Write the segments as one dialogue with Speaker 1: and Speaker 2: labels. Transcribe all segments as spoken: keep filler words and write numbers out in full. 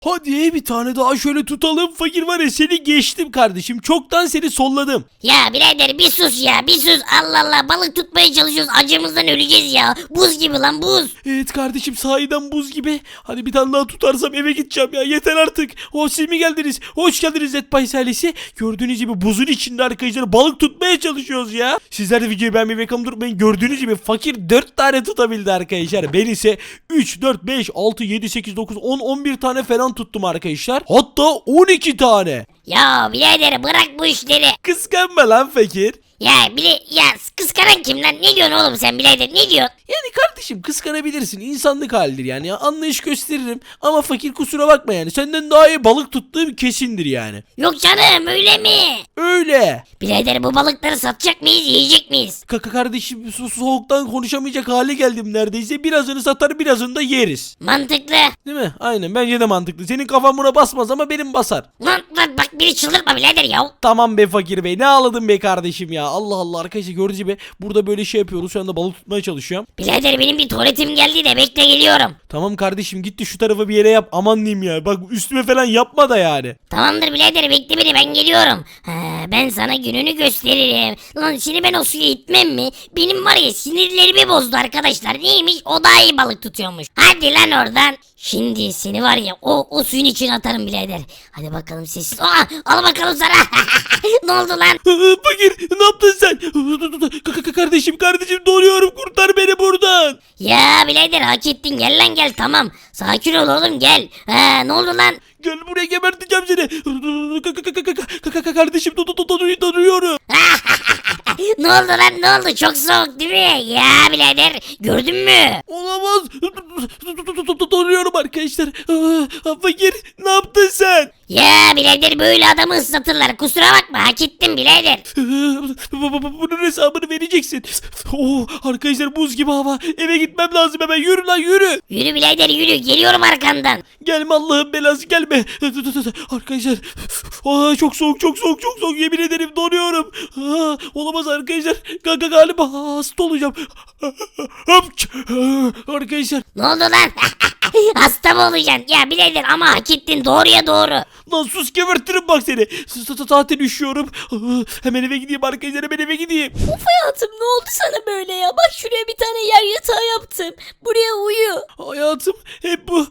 Speaker 1: Hadi bir tane daha şöyle tutalım. Fakir var ya, seni geçtim kardeşim. Çoktan seni solladım.
Speaker 2: Ya birader bir sus ya bir sus. Allah Allah, balık tutmaya çalışıyoruz, acımızdan öleceğiz ya. Buz gibi lan, buz.
Speaker 1: Evet kardeşim, sahiden buz gibi. Hadi bir tane daha tutarsam eve gideceğim ya. Yeter artık. O siz mi geldiniz? Hoş geldiniz Zetbay ailesi. Gördüğünüz gibi buzun içinde arkadaşlar balık tutmaya çalışıyoruz ya. Sizler de videoyu beğenmeyi ve kanalıma durmayın. Gördüğünüz gibi fakir dört tane tutabildi arkadaşlar. Ben ise üç, dört, beş, altı, yedi, sekiz, dokuz, on, on bir tane falan tuttum arkadaşlar. Hatta on iki tane.
Speaker 2: Ya birader bırak bu işleri.
Speaker 1: Kıskanma lan fakir.
Speaker 2: Ya bile ya kıskanan kim lan? Ne diyorsun oğlum sen birader, ne diyorsun?
Speaker 1: Yani kardeşim, kıskanabilirsin, insanlık halidir yani ya, anlayış gösteririm ama fakir kusura bakma yani, senden daha iyi balık tuttuğum kesindir yani.
Speaker 2: Yok canım, öyle mi?
Speaker 1: Öyle.
Speaker 2: Birader bu balıkları satacak mıyız, yiyecek miyiz?
Speaker 1: Kaka kardeşim, su soğuktan konuşamayacak hale geldim neredeyse, birazını satar birazını da yeriz.
Speaker 2: Mantıklı.
Speaker 1: Değil mi? Aynen, bence de mantıklı. Senin kafan buna basmaz ama benim basar.
Speaker 2: Lan lan bak, biri çıldırtma birader ya.
Speaker 1: Tamam be fakir bey, ne ağladın be kardeşim ya, Allah Allah. Arkadaşlar gördüğünüz gibi burada böyle şey yapıyoruz, şu anda balık tutmaya çalışıyorum.
Speaker 2: Birader benim bir tuvaletim geldi de bekle, geliyorum.
Speaker 1: Tamam kardeşim, gitti şu tarafa bir yere yap, aman diyeyim ya, bak üstüme falan yapma da yani.
Speaker 2: Tamamdır birader, bekle beni, ben geliyorum. Ha, ben sana gününü gösteririm. Lan şimdi ben o suya itmem mi? Benim var ya, sinirlerimi bozdu arkadaşlar. Neymiş, o daha iyi balık tutuyormuş. Hadi lan oradan. Şimdi seni var ya o, o suyun içine atarım birader. Hadi bakalım sessiz. Aa, al bakalım sana. Ne oldu lan?
Speaker 1: Fakir, ne yaptın sen? K- k- Kardeşim kardeşim, donuyorum, kurtar beni buradan.
Speaker 2: Ya birader hak ettin, gel lan gel, tamam. Sakin ol oğlum, gel. Ha, ne oldu lan?
Speaker 1: Gel buraya, geberteceğim seni. K- k- k- k- k- Kardeşim, do- do- do- do- donuyorum.
Speaker 2: Ne oldu lan, ne oldu? Çok soğuk değil mi? Ya birader gördün mü?
Speaker 1: Olamaz. Donuyorum arkadaşlar. Ah, Fakir, ne yaptın sen?
Speaker 2: Ya birader böyle adamı ıslatırlar, kusura bakma, hak ettin birader.
Speaker 1: Bunun hesabını vereceksin. Oh, arkadaşlar buz gibi hava. Eve gitmem lazım hemen. Yürü lan yürü.
Speaker 2: Yürü birader yürü, geliyorum arkandan.
Speaker 1: Gelme, Allah'ın belası gelme. Arkadaşlar. Aa, çok soğuk çok soğuk çok soğuk. Yemin ederim donuyorum. Aa, olamaz arkadaşlar. Gaga galiba hasta olacağım. Arkadaşlar.
Speaker 2: Ne oldu lan? Hasta mı olacaksın? Ya birader ama hak ettin, doğruya doğru.
Speaker 1: Lan sus, gebertirim bak seni. Zaten üşüyorum. Aa, hemen eve gideyim arkadaşlar, hemen eve gideyim.
Speaker 3: Of hayatım, ne oldu sana böyle ya? Bak şuraya bir tane yer yatağı yaptım. Buraya uyu.
Speaker 1: Hayatım hep bu.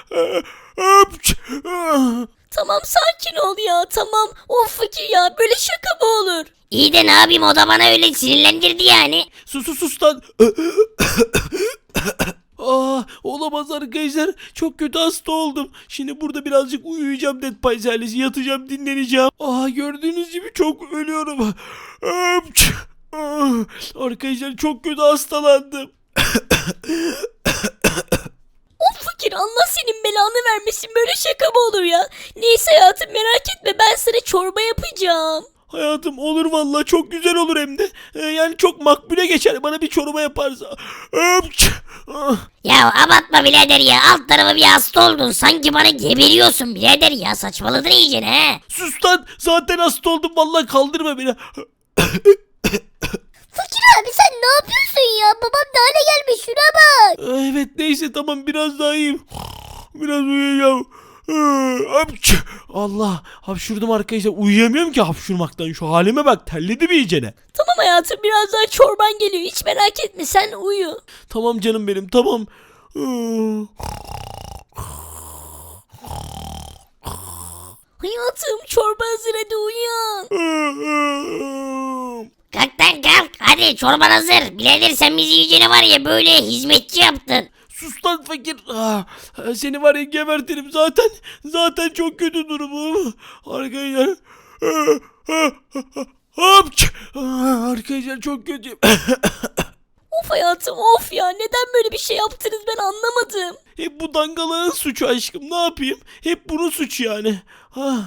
Speaker 3: Tamam sakin ol ya, tamam. Of fakir ya, böyle şaka mı olur?
Speaker 2: İyi de ne yapayım, o da bana öyle sinirlendirdi yani.
Speaker 1: Sus sus sus lan. Aa, olamaz arkadaşlar. Çok kötü hasta oldum. Şimdi burada birazcık uyuyacağım, Dead Pies ailesi. Yatacağım, dinleneceğim. Aa, gördüğünüz gibi çok ölüyorum. Arkadaşlar çok kötü hastalandım.
Speaker 3: Of fakir, Allah senin belanı vermesin, böyle şaka mı olur ya? Neyse hayatım, merak etme, ben sana çorba yapacağım.
Speaker 1: Hayatım olur vallahi, çok güzel olur hem de. Ee, yani çok makbule geçer bana bir çorba yaparsa.
Speaker 2: Ya abartma birader ya, alt tarafı bir hasta oldun, sanki bana geberiyorsun birader ya, saçmaladın iyice he.
Speaker 1: Sus lan, zaten hasta oldum vallahi, kaldırma beni.
Speaker 3: Fakir abi sen ne yapıyorsun ya? Babam da hale gelmiş, şuna bak.
Speaker 1: Evet neyse tamam, biraz daha iyiyim. Biraz uyuyacağım. Allah, hapşurdum arkadaşlar, uyuyamıyorum ki hapşurmaktan, şu halime bak, terledim iyicene.
Speaker 3: Tamam hayatım, birazdan çorban geliyor, hiç merak etme, sen uyu.
Speaker 1: Tamam canım benim, tamam.
Speaker 3: Hayatım çorba hazır, hadi uyan.
Speaker 2: Kalk lan kalk, hadi çorban hazır. Birader sen bizi iyicene var ya böyle hizmetçi yaptın.
Speaker 1: Sus lan fakir. Ah, seni var ya gebertirim zaten. Zaten çok kötü durumum. Arkadaşlar. Hapç. Arkadaşlar çok kötüyüm.
Speaker 3: Of hayatım of ya, neden böyle bir şey yaptınız, ben anlamadım.
Speaker 1: Hep bu dangalağın suçu aşkım, ne yapayım? Hep bunun suçu yani. Ah.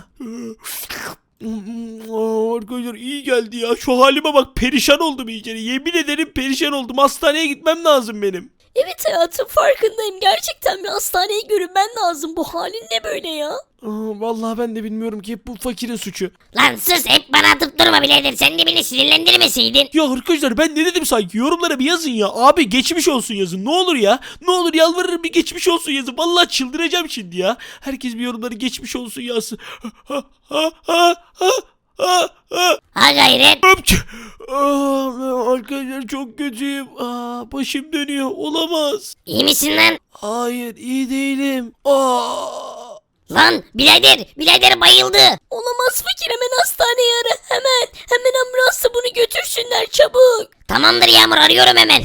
Speaker 1: Aa, arkadaşlar iyi geldi ya. Şu halime bak, perişan oldum iyice. Yemin ederim perişan oldum. Hastaneye gitmem lazım benim.
Speaker 3: Evet hayatım farkındayım. Gerçekten bir hastaneye görünmen lazım. Bu halin ne böyle ya?
Speaker 1: Aa, vallahi ben de bilmiyorum ki hep bu fakirin suçu.
Speaker 2: Lan sus hep bana atıp durma birader. Sen de beni sinirlendirmeseydin.
Speaker 1: Ya arkadaşlar ben ne dedim sanki, yorumlara bir yazın ya. Abi geçmiş olsun yazın, ne olur ya. Ne olur yalvarırım, bir geçmiş olsun yazın. Vallahi çıldıracağım şimdi ya. Herkes bir yorumları geçmiş olsun yazsın. Ha ha ha ha ha ha.
Speaker 2: Ha gayret.
Speaker 1: Öpçü. Aa, arkadaşlar çok kötüyüm. Aa, başım dönüyor, olamaz.
Speaker 2: İyi misin lan?
Speaker 1: Hayır, iyi değilim. Aa.
Speaker 2: Lan birader birader bayıldı.
Speaker 3: Olamaz fakir, hemen hastaneye ara. Hemen. Hemen ambulansa bunu götürsünler çabuk.
Speaker 2: Tamamdır Yağmur arıyorum hemen.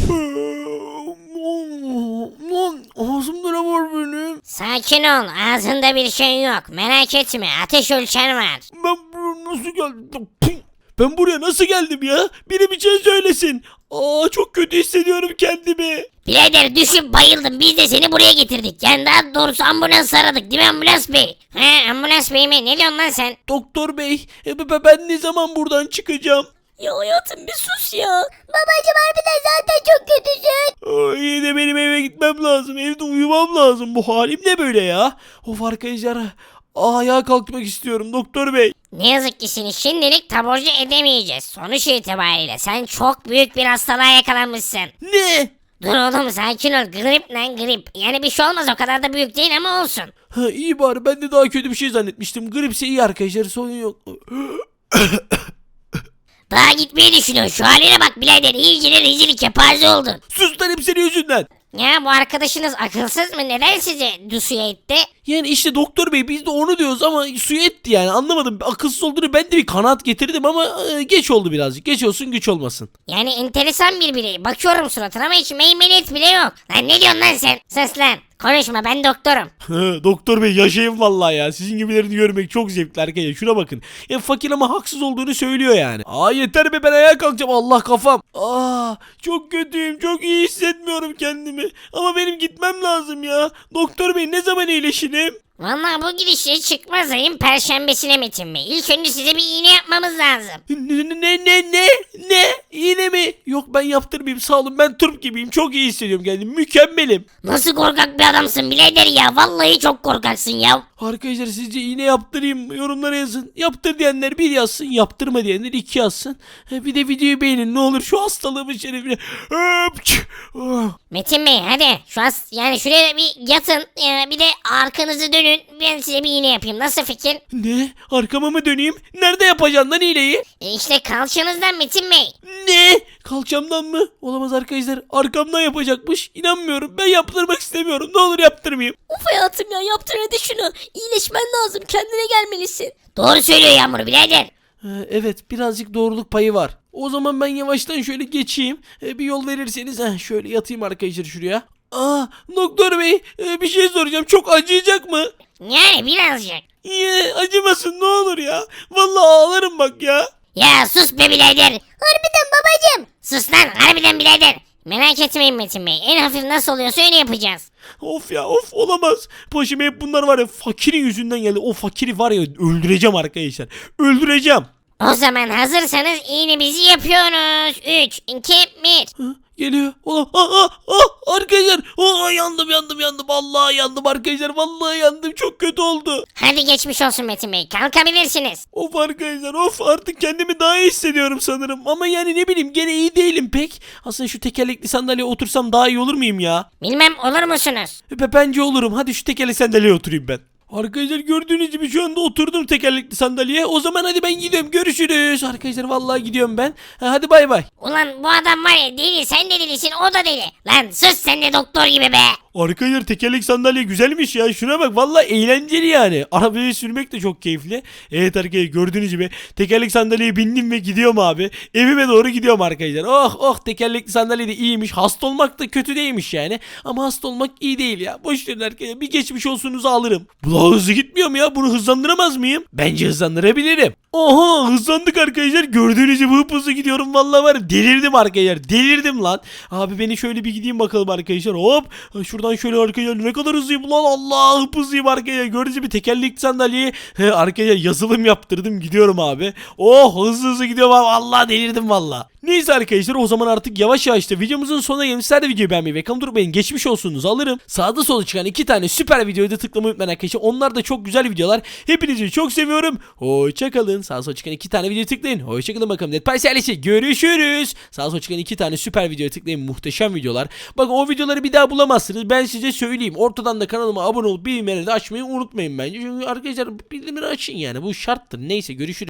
Speaker 1: Lan ağzımda ne var benim?
Speaker 2: Sakin ol ağzında bir şey yok. Merak etme ateş ölçer var.
Speaker 1: Ben buraya nasıl geldim? Ben buraya nasıl geldim ya? Biri bir şey söylesin. Aa, çok kötü hissediyorum kendimi.
Speaker 2: Birader düşüp bayıldım. Biz de seni buraya getirdik. Yani daha doğrusu ambulans aradık değil mi ambulans bey? He ambulans bey mi? Ne diyorsun lan sen?
Speaker 1: Doktor bey, e, be- ben ne zaman buradan çıkacağım?
Speaker 3: Ya hayatım bir sus ya.
Speaker 2: Babacım harbiden zaten çok kötüsün.
Speaker 1: Aa, iyi de benim eve gitmem lazım. Evde uyumam lazım. Bu halim ne böyle ya? Of arkadaşlar. Aa, ayağa kalkmak istiyorum doktor bey.
Speaker 2: Ne yazık ki seni şimdilik taburcu edemeyeceğiz. Sonuç itibariyle sen çok büyük bir hastalığa yakalanmışsın.
Speaker 1: Ne?
Speaker 2: Dur oğlum sakin ol. Grip lan grip. Yani bir şey olmaz o kadar da büyük değil ama olsun.
Speaker 1: Ha, iyi bari, ben de daha kötü bir şey zannetmiştim. Gripse iyi arkadaşlar, sorun yok.
Speaker 2: Daha gitmeyi düşünüyorsun. Şu haline bak birader. İyice rezil kepaze oldun.
Speaker 1: Sus lan, hep senin yüzünden.
Speaker 2: Ya bu arkadaşınız akılsız mı? Neden sizi dusuya etti?
Speaker 1: Yani işte doktor bey, biz de onu diyoruz ama suyu etti yani, anlamadım. Akılsız olduğunu ben de bir kanaat getirdim ama e, geç oldu birazcık. Geç olsun güç olmasın.
Speaker 2: Yani enteresan bir birey. Bakıyorum suratına ama hiç meymenet bile yok. Lan ne diyorsun lan sen? Sus lan. Konuşma ben doktorum.
Speaker 1: Doktor bey yaşayın vallahi ya. Sizin gibilerini görmek çok zevkli arkadaşlar. Şuna bakın. Ya fakir ama haksız olduğunu söylüyor yani. Aa, yeter be, ben ayağa kalkacağım. Allah kafam. Aa, çok kötüyüm. Çok iyi hissetmiyorum kendimi. Ama benim gitmem lazım ya. Doktor bey, ne zaman iyileşirim?
Speaker 2: Vallahi bu gidişle çıkmaz ayın perşembesine Metin Bey. İlk önce size bir iğne yapmamız lazım.
Speaker 1: Ne ne ne ne ne? İğne mi? Yok, ben yaptırmayayım, sağ olun. Ben turp gibiyim. Çok iyi hissediyorum kendimi. Mükemmelim.
Speaker 2: Nasıl korkak bir adamsın birader ya. Vallahi çok korkaksın ya.
Speaker 1: Arkadaşlar sizce iğne yaptırayım mı? Yorumlara yazın. Yaptır diyenler bir yazsın. Yaptırma diyenler iki yazsın. Ha, bir de videoyu beğenin ne olur, şu hastalığımın şerefine. Öpç. Oh.
Speaker 2: Metin Bey hadi şu as yani şuraya bir yatın. Ee, bir de arkanızı dönün. Ben size bir iğne yapayım. Nasıl fikir?
Speaker 1: Ne? Arkama mı döneyim? Nerede yapacaksın lan iğneyi?
Speaker 2: E işte kalçanızdan Metin Bey.
Speaker 1: Ne? Kalçamdan mı? Olamaz arkadaşlar. Arkamdan yapacakmış. İnanmıyorum. Ben yaptırmak istemiyorum. Ne olur yaptırmayayım.
Speaker 3: Of hayatım ya, yaptır hadi şunu. İyileşmen lazım, kendine gelmelisin.
Speaker 2: Doğru söylüyor Yağmur birader.
Speaker 1: Ee, evet, birazcık doğruluk payı var. O zaman ben yavaştan şöyle geçeyim. Ee, bir yol verirseniz heh, şöyle yatayım arkadaşlar şuraya. Aa, doktor bey, e, bir şey soracağım. Çok acıyacak mı?
Speaker 2: Yani birazcık.
Speaker 1: Ye, acımasın ne olur ya. Vallahi ağlarım bak ya.
Speaker 2: Ya sus be birader. Harbiden babacım. Sus lan harbiden birader. Merak etmeyin Metin Bey. En hafif nasıl oluyorsa öyle yapacağız.
Speaker 1: Of ya, of, olamaz. Başıma hep bunlar var ya, fakirin yüzünden geldi. O fakiri var ya, öldüreceğim arkadaşlar. Öldüreceğim.
Speaker 2: O zaman hazırsanız iğnemizi yapıyoruz. üç, iki, bir.
Speaker 1: Ha, geliyor. Ola, aa, aa, aa, arkadaşlar. Aa, yandım yandım yandım. Vallahi yandım arkadaşlar. Vallahi yandım. Çok kötü oldu.
Speaker 2: Hadi geçmiş olsun Metin Bey. Kalkabilirsiniz.
Speaker 1: Of arkadaşlar, of, artık kendimi daha iyi hissediyorum sanırım. Ama yani ne bileyim, gene iyi değilim pek. Aslında şu tekerlekli sandalyeye otursam daha iyi olur muyum ya?
Speaker 2: Bilmem olur musunuz?
Speaker 1: Be- Bence olurum. Hadi şu tekerlekli sandalyeye oturayım ben. Arkadaşlar gördüğünüz gibi şu anda oturdum tekerlekli sandalyeye. O zaman hadi ben gidiyorum. Görüşürüz. Arkadaşlar vallahi gidiyorum ben. Ha, hadi bay bay.
Speaker 2: Ulan bu adam var ya deli, sen de delisin, o da deli. Lan sus sen de doktor gibi be.
Speaker 1: Arkadaşlar tekerlek sandalye güzelmiş ya. Şuna bak, vallahi eğlenceli yani. Arabayı sürmek de çok keyifli. Evet arkadaşlar gördüğünüz gibi tekerlek sandalyeye bindim ve gidiyorum abi. Evime doğru gidiyorum arkadaşlar. Oh oh, tekerlekli sandalye de iyiymiş. Hasta olmak da kötü değilmiş yani. Ama hasta olmak iyi değil ya. Boş verin arkadaşlar. Bir geçmiş olsunuzu alırım. Bu daha hızlı gitmiyor mu ya? Bunu hızlandıramaz mıyım? Bence hızlandırabilirim. Oha, hızlandık arkadaşlar. Gördüğünüz gibi hıp hızlı gidiyorum. Vallahi var ya, delirdim arkadaşlar. Delirdim lan. Abi beni şöyle bir gideyim bakalım arkadaşlar. Hop. Şuradan şöyle arkadaşlar, ne kadar hızlıyım lan, Allah, hıp hızlıyım arkadaşlar. Gördüğünüz gibi tekerlekli sandalyeye he, arkadaşlar yazılım yaptırdım, gidiyorum abi. Oh, hızlı hızlı gidiyorum abi. Allah, delirdim valla. Neyse arkadaşlar o zaman artık yavaş yavaş da videomuzun sonuna gelmiş. Sizler de videoyu beğenmeyi ve kanalıma durmayın. Geçmiş olsunuzu alırım. Sağda solda çıkan iki tane süper videoyu da tıklamayı unutmayın arkadaşlar. Onlar da çok güzel videolar. Hepinizi çok seviyorum. Hoşçakalın. Sağda solda çıkan iki tane videoyu tıklayın. Hoşçakalın bakalım. Dead Pies ailesi görüşürüz. Sağda solda çıkan iki tane süper videoyu tıklayın. Muhteşem videolar. Bakın o videoları bir daha bulamazsınız. Ben size söyleyeyim. Ortadan da kanalıma abone olup bildirimleri de açmayı unutmayın bence. Çünkü arkadaşlar bildirimleri açın yani. Bu şarttır. Neyse görüşürüz.